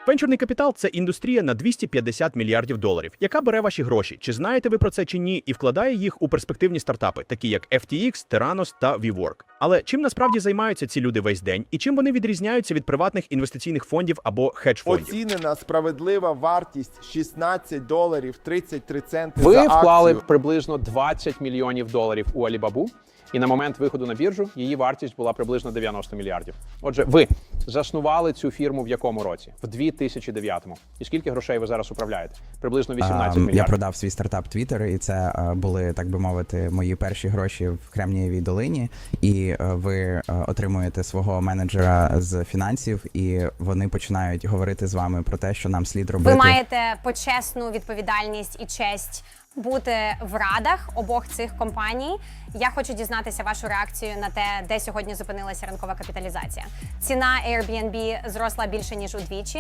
Венчурний капітал – це індустрія на 250 мільярдів доларів, яка бере ваші гроші. Чи знаєте ви про це чи ні, і вкладає їх у перспективні стартапи, такі як FTX, Theranos та WeWork. Але чим насправді займаються ці люди весь день, і чим вони відрізняються від приватних інвестиційних фондів або хедж-фондів? Оцінена справедлива вартість $16 33 центи за Ви акцію. вклали приблизно 20 мільйонів доларів у Alibaba, і на момент виходу на біржу її вартість була приблизно 90 мільярдів. Отже, ви заснували цю фірму в якому році? В 2009-му. І скільки грошей ви зараз управляєте? Приблизно 18 мільярдів. Я продав свій стартап Twitter, і це були, так би мовити, мої перші гроші в Кремнієвій долині. І ви отримуєте свого менеджера з фінансів, і вони починають говорити з вами про те, що нам слід робити. Ви маєте почесну відповідальність і честь бути в радах обох цих компаній. Я хочу дізнатися вашу реакцію на те, де сьогодні зупинилася ринкова капіталізація. Ціна Airbnb зросла більше, ніж удвічі.